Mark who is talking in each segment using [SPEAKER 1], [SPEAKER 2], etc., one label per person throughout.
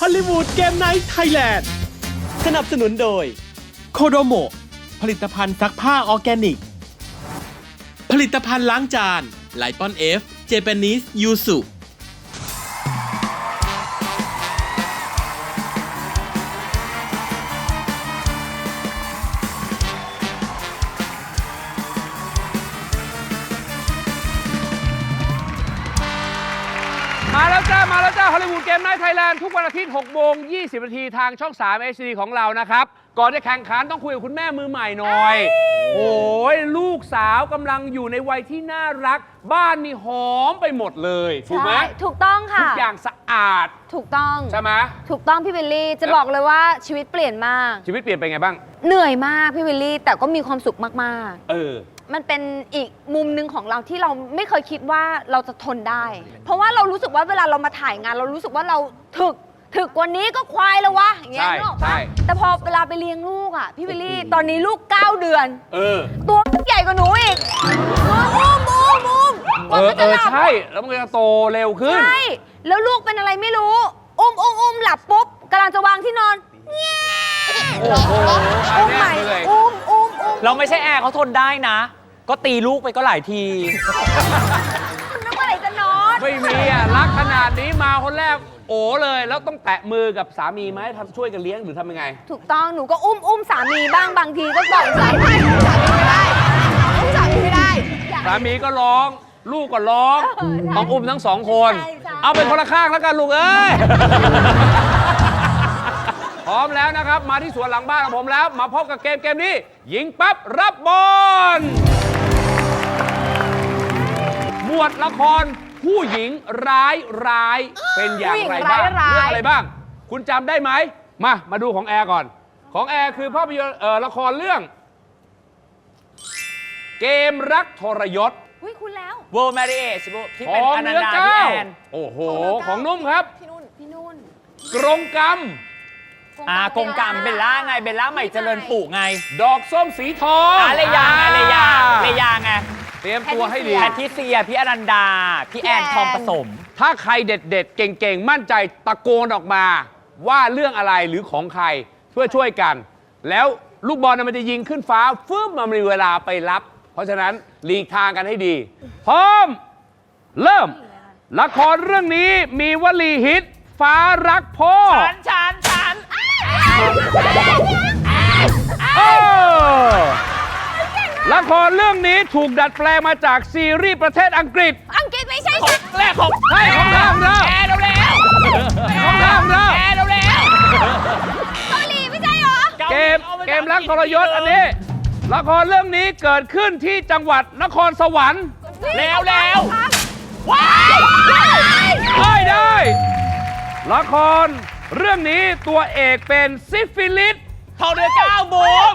[SPEAKER 1] ลลีวูดเกมไนท์ไทยแลนด์สนับสนุนโดยโคโดโมผลิตภัณฑ์ซักผ้าออร์แกนิกผลิตภัณฑ์ล้างจานไลปอนเอฟเจแปนิสยูสุ
[SPEAKER 2] มาแล้วจ้าฮอลลีวูดเกมไนท์ไทยแลนด์ทุกวันอาทิตย์6 โมง 20 นาทีทางช่อง 3 HD ของเรานะครับก่อนจะแข่งขันต้องคุยกับคุณแม่มือใหม่หน่อยโอ้ยลูกสาวกำลังอยู่ในวัยที่น่ารักบ้านนี่หอมไปหมดเลยถูกไหม
[SPEAKER 3] ถูกต้องค่ะ
[SPEAKER 2] ทุกอย่างสะอาด
[SPEAKER 3] ถูกต้อง
[SPEAKER 2] ใช่ไหม
[SPEAKER 3] ถูกต้องพี่วิลลี่จะบอกเลยว่าชีวิตเปลี่ยนมาก
[SPEAKER 2] ชีวิตเปลี่ยนไปไงบ้าง
[SPEAKER 3] เหนื่อยมากพี่วิลลี่แต่ก็มีความสุขมาก
[SPEAKER 2] เออ
[SPEAKER 3] ๆมันเป็นอีกมุมหนึ่งของเราที่เราไม่เคยคิดว่าเราจะทนได้ เพราะว่าเรารู้สึกว่าเวลาเรามาถ่ายงานเรารู้สึกว่าเราถึกกว่านี้ก็ควายแล้ววะอย่างเงี้ย
[SPEAKER 2] ใช่
[SPEAKER 3] นึกออก
[SPEAKER 2] ใช่
[SPEAKER 3] ปะแต่พอเวลาไปเลี้ยงลูกอ่ะพี่วิลลี่ตอนนี้ลูก9 เดือน
[SPEAKER 2] เออ
[SPEAKER 3] ตัวใหญ่กว่าหนูอีกอุ้มกว่ามันจะหลับ
[SPEAKER 2] ใช่แล้วมันจะโตเร็วขึ้น
[SPEAKER 3] ใช่แล้วลูกเป็นอะไรไม่รู้อุ้มหลับปุ๊บกำลังจะวางที่นอน
[SPEAKER 2] โอ้โห
[SPEAKER 3] อุ้มใหม่
[SPEAKER 2] เหนื่อย
[SPEAKER 3] อุ้ม
[SPEAKER 4] เราไม่ใช่แอร์เขาทนได้นะ ก็ตีลูกไปก็หลายที
[SPEAKER 3] มันนึกว่าไหนจะนอน
[SPEAKER 2] ไม่มีอ่ะรักขนาดนี้มาคนแรกโอ้เลยแล้วต้องแตะมือกับสามีไหมทำช่วยกันเลี้ยงหรือทำยังไง
[SPEAKER 3] ถูกต้องหนูก็อุ้มสามีบ้างบางทีก็บอกสามีไม่ได้อุ้มสามีไม่ได้
[SPEAKER 2] สามีก็ร้อง ลูกก็ร้องต้องอุ้มทั้งสองคน
[SPEAKER 3] ใช่
[SPEAKER 2] เอาเป็นคนละข้างแล้วกันลูกเอ้ย พร้อมแล้วนะครับ มาที่สวนหลังบ้านของผมแล้ว มาพบกับเกมนี้ ยิงปั๊บรับบอลหมวดละครผู้หญิงร้ายเป็นอย่างไรบ้างเรื่องอะไรบ้าง คุณจำได้ไหมมาดูของแอร์ก่อน ของแอร์คือภาพยนตร์ละครเรื่อง เกมรักทรยศ
[SPEAKER 3] อุ้ยคุณแล้ว
[SPEAKER 4] World Marriage ที่
[SPEAKER 2] ข
[SPEAKER 4] เป็น
[SPEAKER 2] อง
[SPEAKER 4] อนัน
[SPEAKER 2] เนื้อ
[SPEAKER 4] ดา
[SPEAKER 2] เก้า
[SPEAKER 4] พี่แอน
[SPEAKER 2] โอ้โห ของนุ่มครับ
[SPEAKER 3] พี่นุ่น
[SPEAKER 2] กรงกรรม
[SPEAKER 4] กงกรรมเบลล่าไง เบลล่าใหม่เจริญปลูกไง
[SPEAKER 2] ดอกส้มสีทอง
[SPEAKER 4] เลยาไง
[SPEAKER 2] เตรียมตัวให้ดี
[SPEAKER 4] แพทริเซีย พี่อนันดา พี่แอนทองผสม
[SPEAKER 2] ถ้าใครเด็ดๆ เก่งๆ มั่นใจตะโกนออกมาว่าเรื่องอะไรหรือของใครเพื่อช่วยกัน แล้วลูกบอลมันจะยิงขึ้นฟ้าฟึ่มมันมีเวลาไปรับ เพราะฉะนั้นหลีกทางกันให้ดี พร้อม เริ่ม ละครเรื่องนี้มีวลีฮิต ฟ้ารักพ่อ
[SPEAKER 4] ฉัน
[SPEAKER 2] เออละครเรื่องนี้ถูกดัดแปลงมาจากซีรีส์ประเทศอังกฤษ
[SPEAKER 3] อังกฤษไม่ใช่ฉัน
[SPEAKER 4] แรกของ
[SPEAKER 2] ให้ของทางเรา
[SPEAKER 4] แอร์เร็ว
[SPEAKER 2] ของทางเรา
[SPEAKER 4] แอร์เร็ว
[SPEAKER 3] เกาหลีไม่ใช่เหรอ
[SPEAKER 2] เกมรักทรยศอันนี้ ละครเรื่องนี้เกิดขึ้นที่จังหวัดนครสวรรค์
[SPEAKER 4] เร็ว
[SPEAKER 3] ว้าย
[SPEAKER 2] ได้ ละครเรื่องนี้ตัวเอกเป็นซิฟิลิส
[SPEAKER 4] ทองเดือ9บูม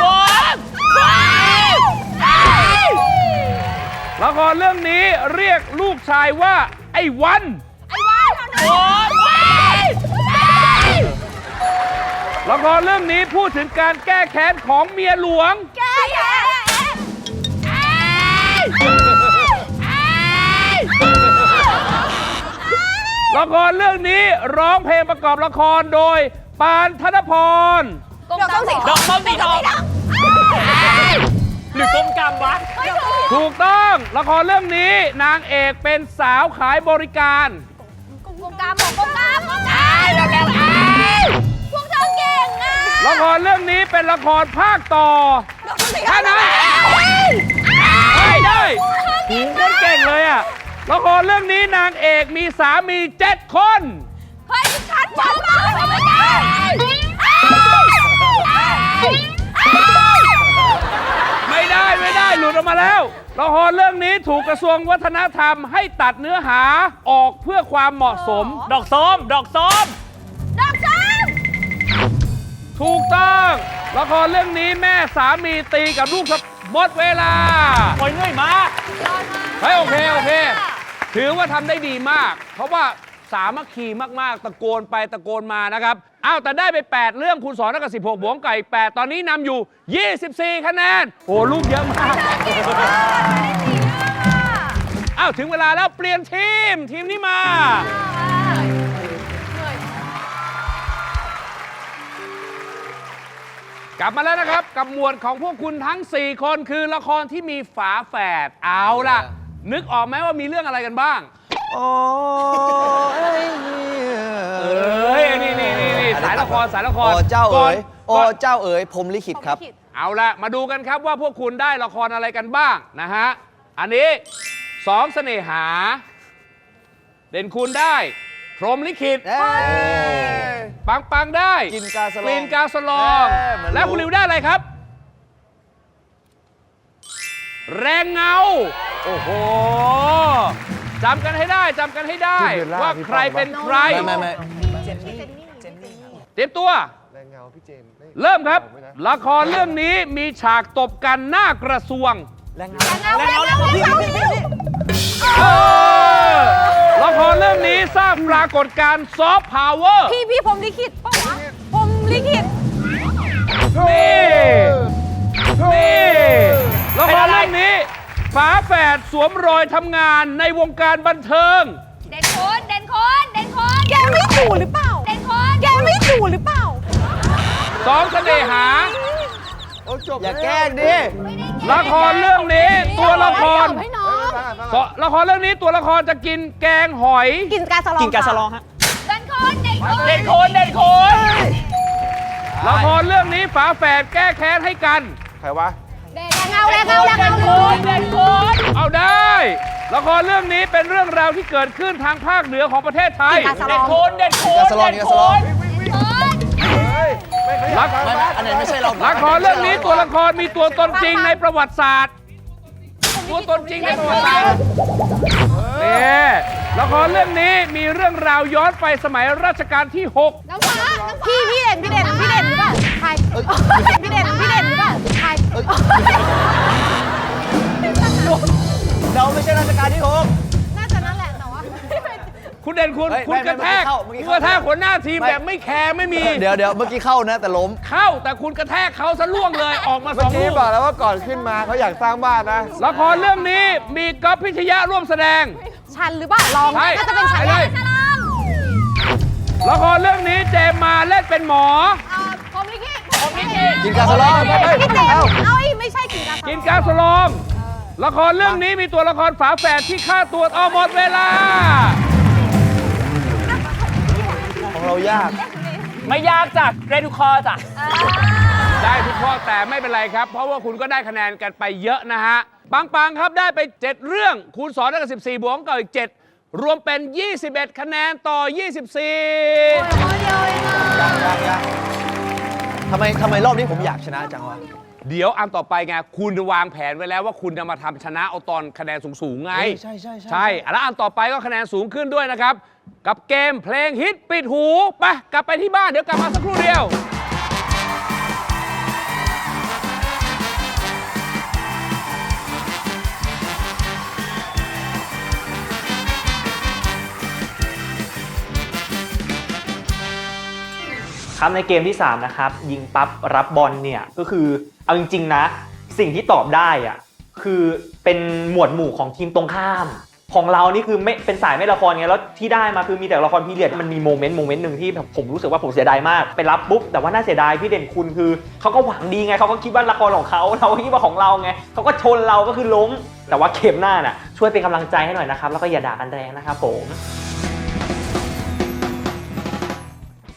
[SPEAKER 2] ละครเรื่องนี้เรียกลูกชายว่าไอ้วัน ละครเรื่องนี้พูดถึงการแก้แค้นของเมียหลวง ละครเรื่องนี้ร้องเพลงประกอบละครโดยปานธนพร
[SPEAKER 3] ดอกส้มสีท
[SPEAKER 4] ด
[SPEAKER 3] อ
[SPEAKER 4] อง กส้มสีทองหรือกงกรรมวะ
[SPEAKER 2] ถูกต้องละครเรื่องนี้นางเอกเป็นสาวขายบริการ
[SPEAKER 3] กงกรรมพวกเธอเก่งอ่ะ
[SPEAKER 2] ละครเรื่องนี้เป็นละครภาคต่อ
[SPEAKER 3] ดอกส้มสีท
[SPEAKER 2] แค่
[SPEAKER 3] อง
[SPEAKER 2] นั้นไม่ได้หูคนเก่งเลยอะละครเรื่องนี้นางเอกมีสามี7 คน
[SPEAKER 3] เฮ้ยฉันบอกมาไม่ได้
[SPEAKER 2] ไม่ได้หลุดออกมาแล้วละครเรื่องนี้ถูกกระทรวงวัฒนธรรมให้ตัดเนื้อหาออกเพื่อความเหมาะสม
[SPEAKER 4] ดอกส้ม
[SPEAKER 3] ดอกส้ม
[SPEAKER 2] ถูกต้องละครเรื่องนี้แม่สามีตีกับลูกหมดเวลา
[SPEAKER 4] โอ้ยเหนื่อยมาก
[SPEAKER 2] เฮ้ยโอเค ถือว่าทำได้ดีมาก เพราะว่าสามัคคีมากๆ ตะโกนไปตะโกนมานะครับอ้าวแต่ได้ไป 8 เรื่องคูณ2เท่ากับ16 บวกไก่8ตอนนี้นำอยู่ 24 คะแนนโอ้ลูกเยอะมากอ้าวถึงเวลาแล้วเปลี่ยนทีมนี้มากลับมาแล้วนะครับกับหมวดของพวกคุณทั้ง 4 คนคือละครที่มีฝาแฝดเอาล่ะ นึกออกไหมว่ามีเรื่องอะไรกันบ้าง
[SPEAKER 5] โอ้ย
[SPEAKER 2] เอ้ยนี่สายละครสายละคร
[SPEAKER 5] โอ้เจ้าเอ๋ยโอ้
[SPEAKER 2] ก่อน
[SPEAKER 5] เจ้าเอ๋ยผมลิขิตครับ
[SPEAKER 2] เอาละมาดูกันครับว่าพวกคุณได้ละครอะไรกันบ้างนะฮะอันนี้สองเสน่หา เด่นคุณได้พรหมลิขิต ปังได้
[SPEAKER 5] กินกาสลอง
[SPEAKER 2] กลิ่นกาสลอง
[SPEAKER 5] เหมือนรู้
[SPEAKER 2] แล้วคุณริวได้อะไรครับ แรงเงา โอ้โหจำกันให้ได้ว่าใครเป็นใคร
[SPEAKER 5] ไม่
[SPEAKER 2] เตรียมตัว เริ่มครับ ละครเรื่องนี้มีฉากตบกันหน้ากระทรวงละครเรื่องนี้สร้างปรากฏการณ์ซอฟต์พาวเวอร์
[SPEAKER 3] พี่ผมลิขิตป่ะวะผมลิขิต
[SPEAKER 2] นี่ละครเรื่องนี้ฝาแฝดสวมรอยทำงานในวงการบันเทิง
[SPEAKER 3] เด่นคนแกไม่ถูหรือเปล่าเด่นคนแกไม่ถูหรือเปล่า
[SPEAKER 2] สองเสน่หา
[SPEAKER 5] อย่าแกล้งดิ
[SPEAKER 2] ละครเรื่องนี้ตัวละคร
[SPEAKER 3] ให้น้อง
[SPEAKER 2] ละครเรื่องนี้ตัวละครจะกินแกงหอย
[SPEAKER 3] กินกาสลอง
[SPEAKER 4] กินกาสลองฮะ
[SPEAKER 3] เด่นคน
[SPEAKER 4] เด่นคน
[SPEAKER 2] ละครเรื่องนี้ฝาแฝดแก้แค้นให้กัน
[SPEAKER 5] ใครวะ
[SPEAKER 3] เด่นเงา
[SPEAKER 2] เอาได้ ละครเรื่องนี้เป็นเรื่องราวที่เกิดขึ้นทางภาคเหนือของประเทศไทย
[SPEAKER 5] กาสลอง ไม่อันไหนไม่ใช่เรา
[SPEAKER 2] ละครเรื่องนี้ตัวละครมีตัวตนจริงในประวัติศาสตร์ ตัวตนจริงในประวัติศาสตร์นี่ละครเรื่องนี้มีเรื่องราวย้อนไปสมัยรัชกาลที่ 6
[SPEAKER 3] น้ำฟ้าพี่เด่นหรือเปล่าใครพี่เด่นหรือเปล่าใคร
[SPEAKER 5] เราไม่ใช่ราชการที่
[SPEAKER 3] น่าจะนั่นแหละแต่ว่า
[SPEAKER 2] คุณเด่นคุณ
[SPEAKER 5] เฮ้ย
[SPEAKER 2] คุณกระแทก
[SPEAKER 5] เมื่อกี้
[SPEAKER 2] คุณ
[SPEAKER 5] เข้า
[SPEAKER 2] กระแทกหัวหน้าทีมแบบไม่แคร์ไม่มี
[SPEAKER 5] เดี๋ยวเมื่อกี้เข้านะแต่ล้ม
[SPEAKER 2] เข้าแต่คุณกระแทกเขาซะล่วงเลยออกมาส
[SPEAKER 6] เมื่
[SPEAKER 2] อ
[SPEAKER 6] อง กี้
[SPEAKER 2] ลูก
[SPEAKER 6] บอกแล้วว่าก่อนขึ้นมาเขาอยากสร้างบ้านนะ
[SPEAKER 2] ละครเรื่องนี้มีก๊อฟพิชยะร่วมแสดง
[SPEAKER 3] ชันหรือเปล่าลอง
[SPEAKER 2] ใช่
[SPEAKER 3] น่าจะเป็นชัน
[SPEAKER 2] ใช่ ละครเรื่องนี้เจมมาเล่นเป็นหมอ
[SPEAKER 3] ผมลิขิต
[SPEAKER 5] กินกาสลอง
[SPEAKER 3] พี่เจมเอาไม่ใช่กินกาสลอง
[SPEAKER 2] กินกาสลอง ละครเรื่องนี้มีตัวละครฝาแฝดที่ฆ่าตัวเอาหมดเวลา
[SPEAKER 5] ของเรายาก
[SPEAKER 4] ไม่ยากจ้ะเรดูคอจ้ะ
[SPEAKER 2] ได้ทุกข้อแต่ไม่เป็นไรครับ เพราะว่าคุณก็ได้คะแนนกันไปเยอะนะฮะ ปังครับได้ไป 7 เรื่องคูณ2ได้กับ14 บวกกับอีก 7 รวมเป็น 21 คะแนนต่อ 24
[SPEAKER 5] ยังทำไมรอบนี้ผมอยากชนะจังวะ
[SPEAKER 2] เดี๋ยวอันต่อไปไงคุณวางแผนไว้แล้วว่าคุณจะมาทำชนะเอาตอนคะแนนสูงๆไง
[SPEAKER 5] ใช่
[SPEAKER 2] ใช่แล้วอันต่อไปก็คะแนนสูงขึ้นด้วยนะครับ กับเกมเพลงฮิตปิดหูไปกลับไปที่บ้านเดี๋ยวกลับมาสักครู่เดียว
[SPEAKER 7] ครับในเกมที่ 3 นะครับ ยิงปั๊บรับบอลเนี่ยก็คือเอาจริงๆนะสิ่งที่ตอบได้อะคือเป็นหมวดหมู่ของทีมตรงข้ามของเรานี่คือไม่เป็นสายไม่ละครไงแล้วที่ได้มาคือมีแต่ละครพีเรียดมันมีโมเมนต์หนึ่งที่ผมรู้สึกว่าผมเสียดายมากไปรับปุ๊บแต่ว่าน่าเสียดายพี่เด่นคุณคือเขาก็หวังดีไงเขาก็คิดว่าละครของเขาเราก็คิดว่าของเราไงเขาก็ชนเราก็คือล้มแต่ว่าเกมหน้าน่ะช่วยเป็นกำลังใจให้หน่อยนะครับแล้วก็อย่าด่ากันแรงนะครับผม